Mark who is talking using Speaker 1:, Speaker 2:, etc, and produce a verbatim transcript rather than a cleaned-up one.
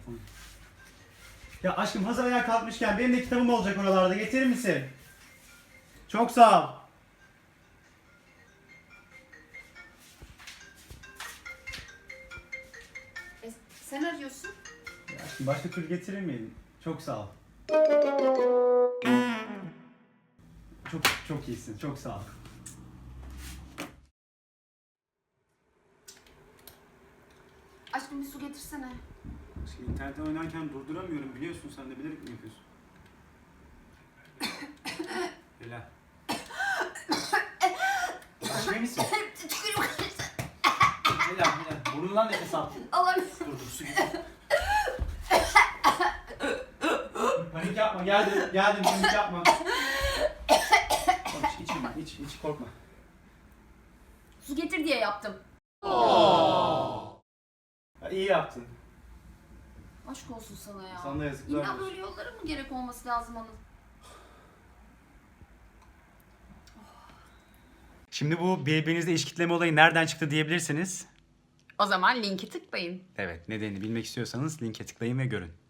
Speaker 1: telefonu. Ya aşkım hazır ayağa kalkmışken benim de kitabım olacak oralarda. Getirir misin? Çok sağ ol.
Speaker 2: E, sen arıyorsun.
Speaker 1: Ya aşkım başka türlü getirir miydin? Çok sağ ol. Çok çok iyisin. Çok sağ ol.
Speaker 2: Aşkım bir su getirsene.
Speaker 1: Aşkım internette oynarken durduramıyorum. Biliyorsun sen de bilerek mi yapıyorsun? Helal. Aşkım iyi misin?
Speaker 2: Tükürüm kaçtı.
Speaker 1: Helal helal. Burnundan nefes al.
Speaker 2: Alamıyorum.
Speaker 1: Dur dur su getir. Panik yapma. Geldim. Geldim. Panik yapma. İç, içme. İç, iç. Korkma.
Speaker 2: Su getir diye yaptım.
Speaker 1: Ya, iyi yaptın.
Speaker 2: Aşk olsun sana ya.
Speaker 1: Sana da yazıklar
Speaker 2: İlla
Speaker 1: olsun.
Speaker 2: böyle yollara mı gerek olması lazım Anıl?
Speaker 1: Şimdi bu birbirinizle iş kitleme olayı nereden çıktı diyebilirsiniz.
Speaker 2: O zaman linki tıklayın.
Speaker 1: Evet, nedenini bilmek istiyorsanız linke tıklayın ve görün.